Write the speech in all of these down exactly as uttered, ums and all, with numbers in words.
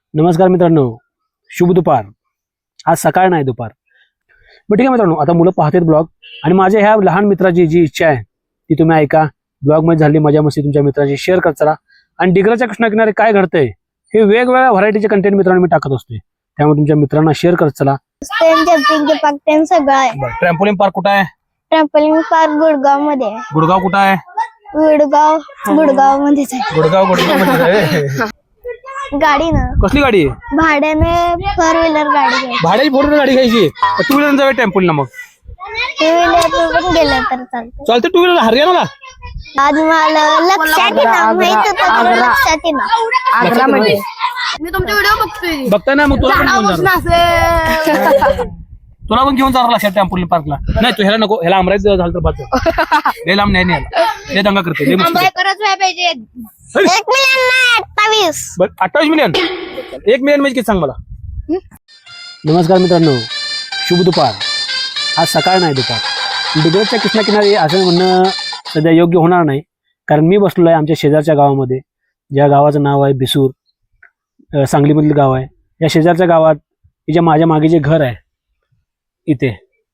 नमस्कार मित्रांनो, शुभ दुपार. आज सकाळ नाही दुपार. बरं ठीक आहे मित्रांनो, आता मुलं पाहतात ब्लॉग आणि माझ्या ह्या लहान मित्राची जी इच्छा आहे ती तुम्ही ऐका. ब्लॉग मध्ये झाली मजा मस्ती तुमच्या मित्राची शेअर करत चला. आणि डिग्रजच्या कृष्णाकिनारे काय घडतंय हे वेगवेगळ्या व्हरायटीचे कंटेंट मित्रांनो मी टाकत असते, त्यामुळे तुमच्या मित्रांना शेअर करत चला. ट्रॅम्पोलिन पार्क कुठं आहे? ट्रॅम्पोलिन पार्क गुडगाव मध्ये. गुडगाव कुठं आहे? गुडगाव गुडगाव मध्येच आहे. गुडगाव गुडगाव मध्ये. गाडी ना कसली गाडी आहे? भाड्याने फोर व्हीलर गाडी घ्यायची. भाड्याची फोर व्हीलर गाडी घ्यायची. टू व्हीलर जाऊया ट्रॅम्पोलिनला. मग टू व्हीलर पण गेलं तर चालतं. चालतं. टू व्हीलर हरियाणाला आज मला लक्षात येणार माहित होतं मला लक्षात येणार आग्रा मध्ये. मी तुमचे व्हिडिओ बघतोय. बघताय ना, मग तुला पण घेऊन जाणार. तुला पण घेऊन जाणार लक्षात ट्रॅम्पोलिन पार्कला. नाही तू ह्याला नको, ह्याला अमरावती झालं तर बाजू लय लांब नाही न्यायला. लय दंगा करते. लय मस्ती करते. एक मिलियन नाही अठ्ठावीस. बरं अठ्ठावीस मिलियन. एक मिलियन म्हणजे किती सांग मला. नमस्कार मित्रांनो, शुभ दुपार. आज सकाळ नाही दुपार. डिग्रजच्या कृष्णाकिनारी असं म्हणणं सध्या योग्य होणार नाही, कारण मी बसलो आहे आमच्या शेजारच्या गावामध्ये, ज्या गावाचं नाव आहे बिसूर. सांगलीमधलं गाव आहे. या शेजारच्या गावात जे माझ्या मागे जे घर आहे इथे,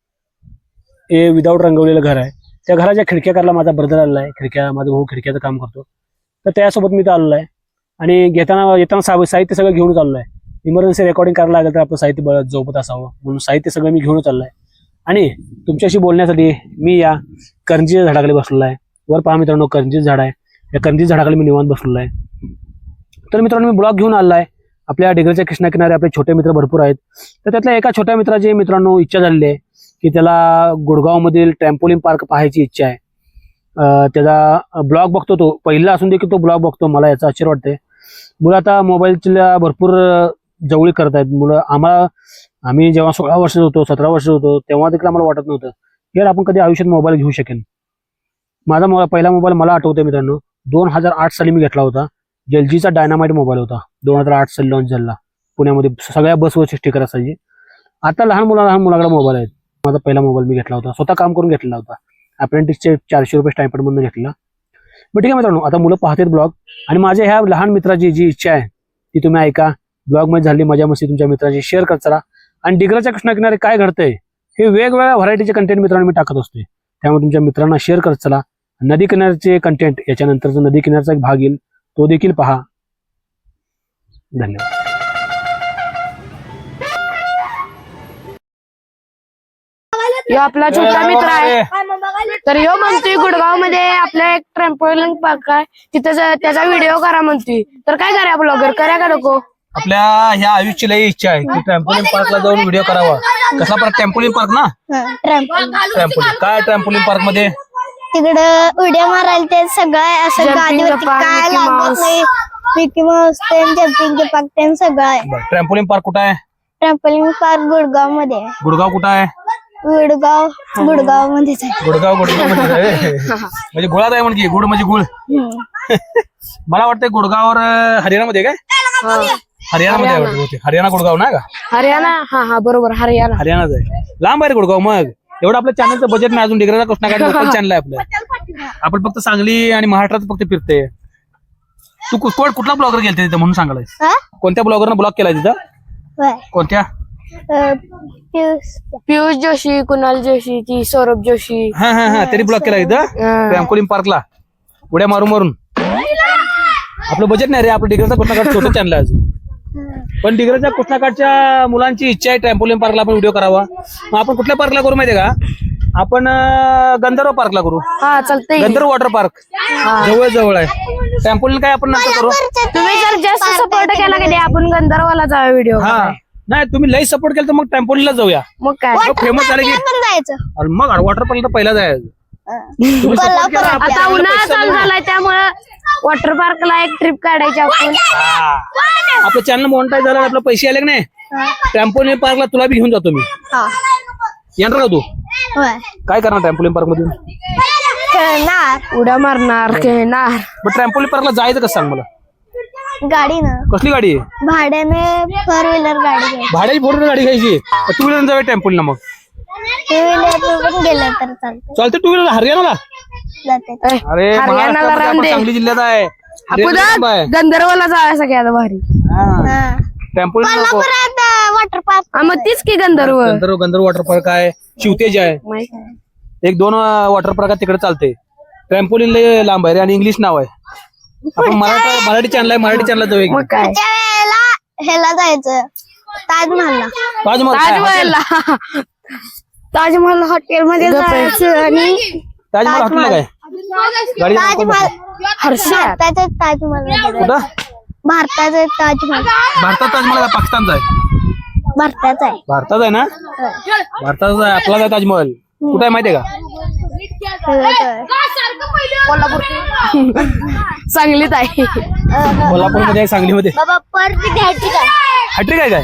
हे विदाऊट रंगवलेलं घर आहे. त्या घराच्या खिडक्या करायला माझा ब्रदर आलेला आहे. खिडक्या माझा भाऊ खिडक्याचं काम करतो, तर त्यासोबत मी तर आलेलो आहे. आणि घेताना येताना सा साहित्य सगळं घेऊन चाललो आहे. इमर्जन्सी रेकॉर्डिंग करायला लागेल तर आपलं साहित्य बळत झोपत असावं म्हणून साहित्य सगळं मी घेऊन चाललो आहे. आणि तुमच्याशी बोलण्यासाठी मी या करंजीच्या झाडाखाली बसलेलो आहे. वर पहा मित्रांनो, करंजीचं झाड आहे. या करंजी झाडाखाली मी निवांत बसलेलो आहे. तर मित्रांनो, मी ब्लॉग घेऊन आलो आहे. आपल्या डिग्रजच्या कृष्णाकिनारे आपले छोटे मित्र भरपूर आहेत. तर त्यातल्या एका छोट्या मित्राची मित्रांनो इच्छा झालेली आहे की त्याला गुडगावमधील ट्रॅम्पोलिन पार्क पाहायची इच्छा आहे. त्याचा ब्लॉग बघतो तो, पहिला असून देखील तो ब्लॉग बघतो. मला याचा आश्चर्य वाटतंय. मुलं आता मोबाईलच्या भरपूर जवळी करत आहेत मुलं. आम्हाला आम्ही जेव्हा सोळा वर्ष होतो, सतरा वर्ष होतो, तेव्हा देखील आम्हाला वाटत नव्हतं यार आपण कधी आयुष्यात मोबाईल घेऊ शकेन. माझा मोबाईल पहिला मोबाईल मला आठवतोय मित्रांनो, दोन हजार आठ साली मी घेतला होता. एल जीचा डायनामाइट मोबाईल होता. दोन हजार आठ साली लॉन्च झाला पुण्यामध्ये. सगळ्या बसवरची स्टिकर असायची. आता लहान मुला लहान मुलाकडे मोबाईल आहेत. माझा पहिला मोबाईल मी घेतला होता, स्वतः काम करून घेतलेला होता. अप्रेंटिसचे चारशे रुपये स्टायपेंड मधून घेतला. बरं ठीक आहे मित्रांनो, आता मुलं पाहतात ब्लॉग आणि माझ्या ह्या लहान मित्राची जी इच्छा आहे ती तुम्ही ऐका. ब्लॉग मध्ये झाली मजा मस्ती तुमच्या मित्राची शेअर करत चला. आणि डिग्रजच्या कृष्णाकिनारे काय घडतंय हे वेगवेगळ्या व्हरायटीचे कंटेंट मित्रांनो मी टाकत असते, त्यामुळे तुमच्या मित्रांना शेअर करत चला. नदी किनारचे कंटेंट, याच्यानंतरचा नदी किनारचा एक भाग येईल, तो देखील पहा. धन्यवाद. यो आपला छोटा मित्र आहे. तर यो म्हणतोय गुडगाव मध्ये आपल्या एक ट्रॅम्पोलिन पार्क आहे, तिथे त्याचा व्हिडिओ करा म्हणतोय. तर काय करा ब्लॉगर, करा का नको? आपल्या ह्या आयुष्याची लई इच्छा आहे की ट्रॅम्पोलिन पार्कला जाऊन व्हिडिओ करावा. कसला पार्क? ट्रॅम्पोलिन पार्क ना. ट्रॅम्पोलिन काय ट्रॅम्पोलिन पार्क मध्ये तिकडं उड्या मारायला ते सगळं असं गाडीवरती काय लागत नाही. मिकी माऊस ते जम्पिंग पार्क ते सगळं आहे. ट्रॅम्पोलिन पार्क कुठं आहे? ट्रॅम्पोलिन पार्क गुडगाव मध्ये. गुडगाव कुठं आहे? गुडगाव गुडगाव मध्येच आहे. गुडगाव गुडगाव मध्ये. म्हणजे गुळात आहे म्हणजे गुड म्हणजे गुळ. मला वाटतं गुडगावर हरियाणामध्ये काय? हरियाणामध्ये आहे. हरियाणा गुडगाव ना का? हरियाणा. हा हा बरोबर, हरियाणा. हरियाणाच आहे. लांब आहे गुडगाव. मग एवढं आपल्या चॅनलचं बजेट नाही अजून. डिग्रजचा कृष्णाकाठ लोकल चॅनल आहे आपलं. आपण फक्त सांगली आणि महाराष्ट्रात फक्त फिरते. तू कुठला ब्लॉगर गेलते तिथं म्हणून सांगायला? कोणत्या ब्लॉगरनं ब्लॉग केलाय तिथं? कोणत्या? पियुष जोशी, कुणाल जोशी, ती सौरभ जोशी. हा हा हा तरी ब्लॉग केला इथं ट्रॅम्पोलिन पार्कला उड्या मारून मारून. आपलं बजेट नाही रे. आपलं डिग्रजचा कृष्णाकाठ छोटं चॅनल आहे अजून. पण डिग्रजच्या कृष्णाकाठच्या मुलांची इच्छा आहे ट्रॅम्पोलिन पार्कला आपण व्हिडिओ करावा. मग आपण कुठल्या पार्कला करू माहितीये का? आपण गंधर्व पार्कला करू. हा चालतंय. गंधर्व वॉटर पार्क जवळ जवळ आहे. ट्रॅम्पोलिन काय आपण नंतर करू. तुम्ही जर जास्त सपोर्ट केला की आपण गंधर्वाला जाऊया व्हिडिओ. हा नाही, तुम्ही लई सपोर्ट केला तर मग ट्रॅम्पोलिनला जाऊया. मग काय फेमस झाले की जायचं. मग वॉटर पार्कला पहिला जायचं. आता उन्हाळा चालू झालाय त्यामुळे वॉटर पार्कला एक ट्रिप काढायची आपण. आपलं चॅनल मोनिटाईज झालं, आपलं पैसे आले की नाही, ट्रॅम्पोलिन पार्कला तुला बी घेऊन जातो मी. येणार का तू? काय करणार ट्रॅम्पोलिन पार्क मध्ये? खेळणार, उड्या मारणार, खेळणार. मग ट्रॅम्पोलिन पार्कला जायचं कसं सांग मला. गाडी ना. कसली गाडी आहे? भाड्याने फोर व्हीलर गाडी घ्यायची. भाड्याची फोर व्हीलर गाडी घ्यायची. टू व्हीलर जाऊया ट्रॅम्पोलिनला. मग टू व्हीलर पण गेलं तर चालतं. चालतं. टू व्हीलर हरियाणाला जाते. अरे हरियाणाला सांगली जिल्ह्यात आहे. गंधर्वाला जायला सगळ्यात भारी. ट्रॅम्पोलिन नको. कोल्हापुरात वॉटर पार्क हा, मग तीच की गंधर्व गंधर्व गंधर्व वॉटर पार्क आहे, शिवतेज आहे, माहित आहे. एक दोन वॉटर पार्क तिकडे चालते. ट्रॅम्पोलिन लय लांब आहे रे आणि इंग्लिश नाव आहे. आपण मराठी मराठी चॅनल आहे, मराठी चॅनल जाऊ. मग काय त्या वेळेला ह्याला जायचं ताजमहलला. ताजमहल काय? ताजमहलला ताजमहल हॉटेल मध्ये जायचं आणि ताजमहल हॉटेल काय गाडी ताजमहल हर्षा भारताचं ताजमहल कुठं? भारताचं ताजमहल भारतात ताजमहल आहे, पाकिस्तानचा आहे? भारताचं आहे. भारतात आहे ना, भारताचा आहे, आपला आहे ताजमहल. कुठे आहे माहितीये का? सांगलीत आहे. कोल्हापूरमध्ये आहे, सांगलीमध्ये. बाबा परत घ्यायची काय हॅट्रिक आहे काय?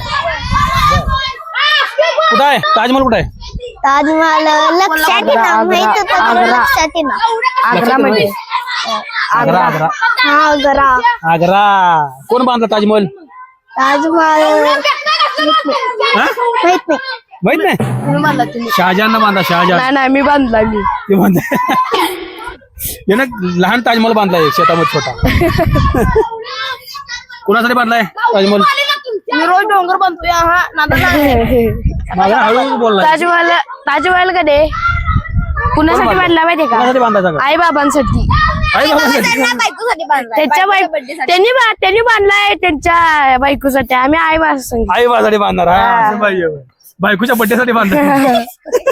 कुठं आहे ताजमहल? कुठं आहे ताजमहल? लक्षात येणार माहित होतं पण लक्षात येणार. आग्रा मध्ये. आग्रा. आग्रा हा जरा आग्रा. कोण बांधला ताजमहल? ताजमहल हा? माहित नाही. माहित नाही. शहाजहान बांधला. शहाजहान नाही नाही मी बांधला मी ते बांधला. यानं लहान ताजमहल बांधलाय शेतामध्ये छोटा. कोणासाठी बांधलाय ताजमहल? मी रोज डोंगर बांधतोय. माझा हळू बोलला. ताजमहल ताजमहल कधी कुणासाठी बांधला माहितीये का? कोणासाठी बांधायचा का? आई बाबांसाठी. आई बाबासाठी. त्यांच्या बायको त्यांनी बा- त्यांनी बांधलाय त्यांच्या बायकोसाठी. आम्ही आई बाबा सांगितलं. आई बाबासाठी बांधणार. हा, असं पाहिजे. बायकोच्या बड्डे साठी बांधणार.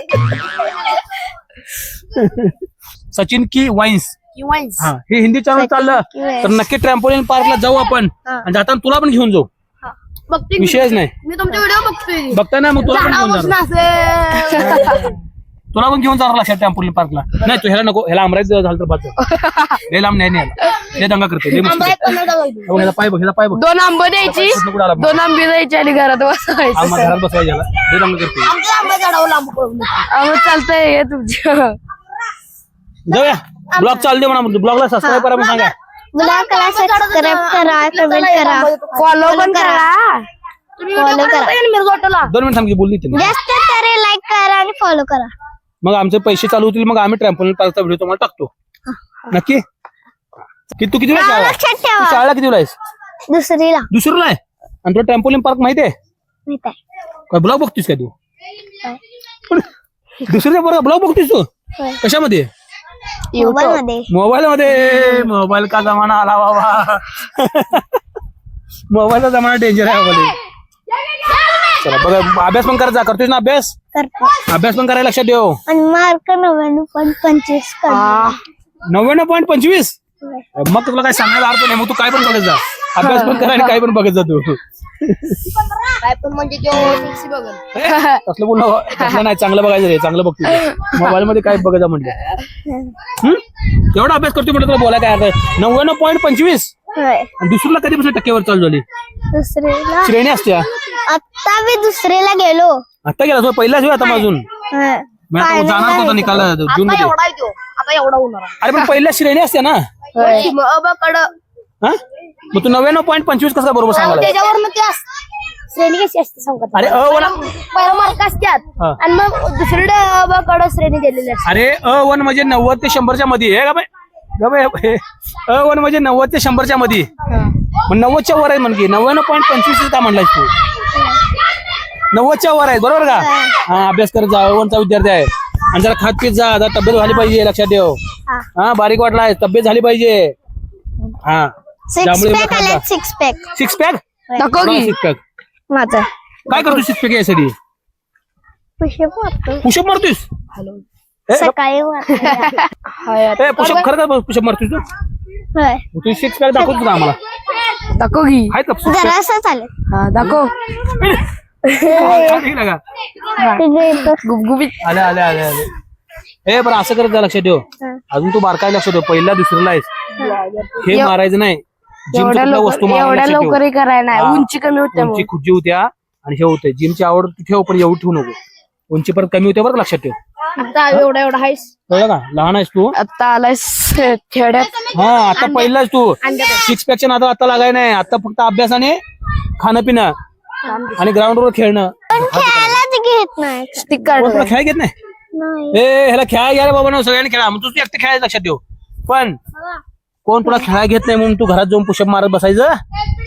सचिन की वाईन्स. हा, हे हिंदी चॅनल चाललं तर नक्की ट्रॅम्पोलिन पार्कला जाऊ आपण. आणि जाताना तुला पण घेऊन जाऊ. विषयच नाही. मी तुमचे व्हिडिओ बघतोय. बघता ना, मग तुला पण घेऊन जाणार. तुला पण घेऊन जाणार लक्षात ट्रॅम्पोलिन पार्कला. नाही तू ह्याला नको, ह्याला अमरावती झालं तर बाजू. लय लांब नाही न्यायला. लय दंगा करते. लय मस्ती करते. हो, ह्याला पाय बघ, ह्याला पाय बघ. दोन आंब द्यायची, कुठं आला? दोन आंबे द्यायची आणि घरात बसवायचं. आम्हा घरात बसवायला ह्याला. लय दंगा करते. अहो, चालतंय हे तुमच्या. जाऊया. ब्लॉग चालू दे म्हणा. ब्लॉगला सबस्क्राईब करा म्हणून सांगा. ब्लॉगला सबस्क्राईब करा, कमेंट करा, फॉलो पण करा. फॉलो करा. दोन मिनिट थांब की बोलली तिने. जास्त तरी लाईक करा आणि फॉलो करा. मग आमचे पैसे चालू होतील. मग आम्ही ट्रॅम्पोलिन पार्कचा व्हिडिओ तुम्हाला टाकतो नक्की. की तू किती नाव वेळा लक्षात तू ठेवा. शाळेला किती वेळा आहेस? दुसरीला दुसरीला आहे. आणि तुला ट्रॅम्पोलिन पार्क माहिती आहे माहित आहे. काय? ब्लॉग बघतीस काय तू? दुसरीच्या बरोबर ब्लॉग बघतीस तू? होय. कशामध्ये? मोबाईल मध्ये. मोबाईल मध्ये. मोबाईल का जमाना आला बाबा. मोबाईलचा जमाना डेंजर आहे बाबा. चला बघा, अभ्यास पण करायचा. करतोस ना अभ्यास? करतो. अभ्यास पण करायला लक्षात ठेव. आणि मार्क नव्याण्णव पॉईंट पंचवीस काढले. नव्याण्णव पॉईंट पंचवीस. मग तुला काय सांगायला अर्थ नाही. मग तू काय पण बघत जा. अभ्यास पण करा आणि काय पण बघत जा तू. काय पण म्हणजे तसलं बोल तसलं नाही. चांगलं बघायचं रे. चांगलं बघतो. मोबाईल मध्ये काय बघायचं म्हटलं. एवढा अभ्यास करतो म्हटलं तुला बोला काय अर्थ? नव्याण्णव पॉईंट पंचवीस. होय. दुसरीला कधीपासून टक्केवर चालू झाली? दुसरीला श्रेणी असत्या. आता मी दुसरीला गेलो. आता गेला तो पहिलाच वेळ आता अजून. होय. मग आता जाणार होता निकाल जून मध्ये. आता एवढा होणार. अरे पण पहिल्या श्रेणी असते ना. हा? मग तू नव्याण्णव पॉईंट पंचवीस कसं बरोबर सांगायला? त्याच्यावर मग ते श्रेणी कशी असते सांगत. अरे अ वन. पहिला मार्क असतात हा. आणि मग दुसरीकडे कड श्रेणी दिलेली असते. अरे अ वन म्हणजे नव्वद ते शंभरच्या मध्ये आहे का बाई? का बाई? हे अ वन म्हणजे नव्वद ते शंभरच्या मध्ये. मग नव्वदच्या वर आहे म्हणजे नव्याण्णव पॉईंट पंचवीस का म्हणलास तू? नव्वदच्या वर आहे बरोबर का? हा, अभ्यास करत जा. अ वनचा विद्यार्थी आहे. आणि जरा खात पीत जा. जरा तब्येत झाली पाहिजे. लक्षात ठेव. हा, बारीक वाटलाय. तब्येत झाली पाहिजे. हा, सिक्स पॅक आले. Six pack. Six pack. दाखव की. सिक्स पॅक माझा काय करतो? सिक्स पॅक यासाठी पुशअप मारतो. पुशअप मारतोस? सकाळी मारतो. पुशअप खरं का? पुशअप मारतोस तू? होय. तू सिक्स पॅक दाखवतो का आम्हाला? दाखव की. आहेत का? जरा असं चालेल. हा दाखव. गुबगुबीत. आले आले आले आले. हे बरं असं करत जा. लक्षात ठेव. अजून तू बारकाय लक्षात ठेव. पहिला दुसरीला आहेस. हे मारायचं नाही. एवढ्या जिमच्या वस्तू लवकर एवढ्या लवकर करायला नाही. हा. उंची कमी होते उंची खुजी होत्या आणि हे होते. जिमची आवड तू ठेव पण एवढी ठेवू नको. उंची परत कमी होते बरं का? लक्षात ठेव. आता एवढा एवढा आहेस. कळलं का? लहान आहेस तू. आता आलाय खेड्यात. हा, आता पहिलाच तू सिक्स पॅकच्या नादात आता लागाय नाही. आता फक्त अभ्यास आणि खाणं पिणं आणि ग्राउंडवर खेळणं. पण खेळायलाच घेत नाही. स्टिक कोण काढ. तुला खेळ घेत नाही? नाही. ए ह्याला खेळा घ्या रे बाबा ना. सगळ्यांनी खेळा. मग तू एकटे खेळायचं लक्षात ठेव. पण कोण तुला खेळा घेत नाही म्हणून तू घरात जाऊन पुशअप मारत बसायचं?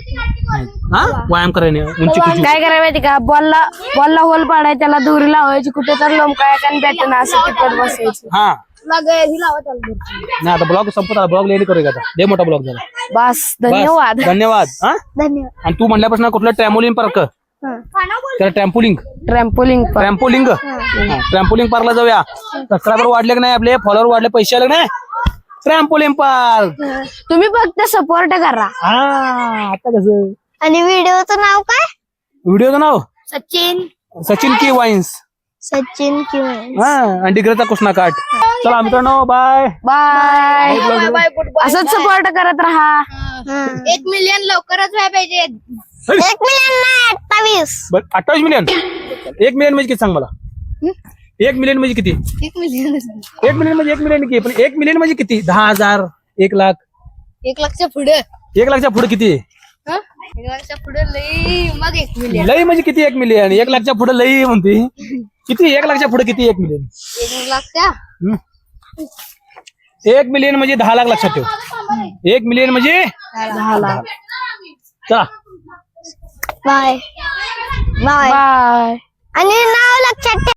हा व्यायाम करायने उंची कुची काय करायला माहिती का बॉलला बॉलला होल पाडाय त्याला दोरी लावायची कुठे तर लोंबकाय आणि बॅटन असं टिकट बसायचं हा नाही आता ब्लॉग संपत आला ब्लॉग लेट करूया आता लय मोठा ब्लॉग झाला बस बस, धन्यवाद धन्यवाद हा धन्यवाद आणि तू म्हणल्यापासून कुठलं ट्रॅम्पोलिन पार्क हा. त्याला ट्रॅम्पोलिंग ट्रॅम्पोलिंग ट्रॅम्पोलिंग ट्रॅम्पोलिंग पार्कला जाऊया सबस्क्रायबर वाढले की नाही आपले फॉलोअर वाढले पैसे आले की नाही ट्रॅम्पोलिन पार्क तुम्ही फक्त सपोर्ट करा हा आता कसं आणि व्हिडिओचं नाव काय व्हिडिओचं नाव सचिन सचिन की वाईन्स सचिन किंवा हा आणि डिग्रचा कृष्णा काट चला मित्रांनो बाय बाय असंच सपोर्ट करत राहा एक मिलियन लवकरच व्हायला पाहिजे एक मिलियन नाही अठ्ठावीस अठ्ठावीस मिलियन एक मिलियन म्हणजे किती सांग मला एक मिलियन म्हणजे किती एक मिलियन एक मिलियन म्हणजे एक मिलियन किती पण एक मिलियन म्हणजे किती दहा हजार एक लाख एक लाखच्या पुढे एक लाखच्या पुढे किती एक लाखच्या पुढे लई मग एक मिलियन लई म्हणजे किती एक मिलियन एक लाखच्या पुढे लई म्हणते किती एक लाखच्या पुढे किती एक मिलियन एक लाखच्या हम्म. एक मिलियन म्हणजे दहा लाख लक्षात ठेव एक मिलियन म्हणजे दहा लाख चला बाय बाय बाय आणि नाव लक्षात ठेव